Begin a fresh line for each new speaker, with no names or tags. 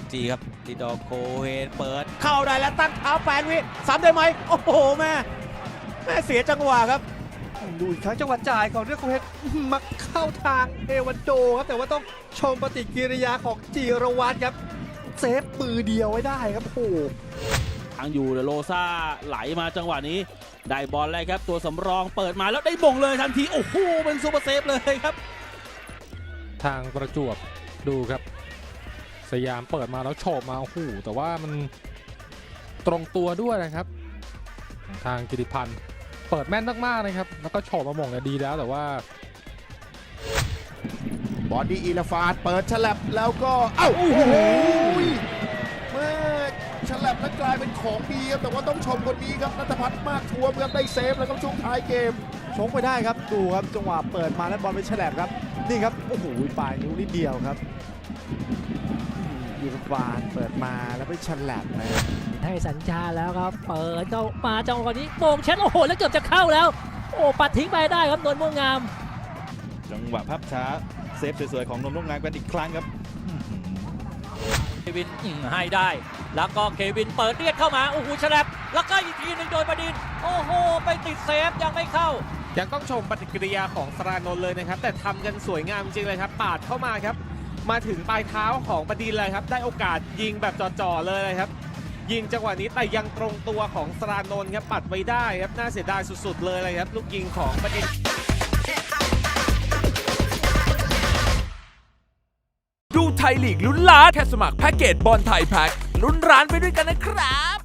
จีครับติดอโคเฮนเปิดเข้าได้แล้วตั้งเท้า8 วิซ้ำได้ไหมโอ้โหแม่เสียจังหวะครับ
ดูอีกครั้งจังหวะจ่ายของเรื่องของเพชรมาเข้าทางเอวันโดครับแต่ว่าต้องชมปฏิกิริยาของจีรวัตรครับเซฟมือเดียวไว้ได้ครับโอ้โห
ทางอยู่เดโลซ่าไหลมาจังหวะนี้ได้บอลเลยครับตัวสำรองเปิดมาแล้วได้บ่งเลยทันทีโอ้โหเป็นซูเปอร์เซฟเลยครับ
ทางประจวบดูครับสยามเปิดมาแล้วโฉบมาโอ้โหแต่ว่ามันตรงตัวด้วยนะครับทางกิติพันธ์เปิดแม่นมากๆนะครับแล้วก็โฉบมาหม่งเนี่ยดีแล้วแต่ว่า
บอดี้อีลาฟาดเปิดฉลับแล้วก็เอ้าโอ้โหแม่ฉลับแล้วกลายเป็นของดีครับแต่ว่าต้องชมคนนี้ครับณัฐพัฒน์มากทวมครับได้เซฟแล้วครับช่วงท้ายเกม
ชงไปได้ครับดูครับจังหวะเปิดมาแล้วบอลไปฉลับครับนี่ครับโอ้โหปลายนิ้วนิดเดียวครับยูรบานเปิดมาแล้วไปฉลับนะ
ให้สัญญาแล้วครับเปิดเข้ามาจังหวะนี้โป่งเช็ดโอ้โหแล้วเกือบจะเข้าแล้วโอ้ปัดทิ้งไปได้ครับนนท์ม่วงงาม
จังหวะภาพช้าเซฟสวยๆของนนท์ม่วงงามกันอีกครั้งครับ
เควินให้ได้แล้วก็เควินเปิดเลียดเข้ามาโอ้โหฉลับแล้วก็อีกทีหนึ่งโดยประดินโอ้โหไปติดเซฟยังไม่เข้า
ยังต้องชมปฏิกิริยาของสรานนท์เลยนะครับแต่ทำกันสวยงามจริงๆเลยครับปาดเข้ามาครับมาถึงปลายเท้าของประดินเลยครับได้โอกาสยิงแบบจ่อๆเลยครับยิงจังหวะนี้แต่ยังตรงตัวของสรานนท์ครับปัดไว้ได้ครับน่าเสียดายสุดๆเลยครับลูกยิงของประดิน
ดูไทยลีกลุ้นล้านแค่สมัครแพ็กเกจบอลไทยแพ็กลุ้นร้านไปด้วยกันนะครับ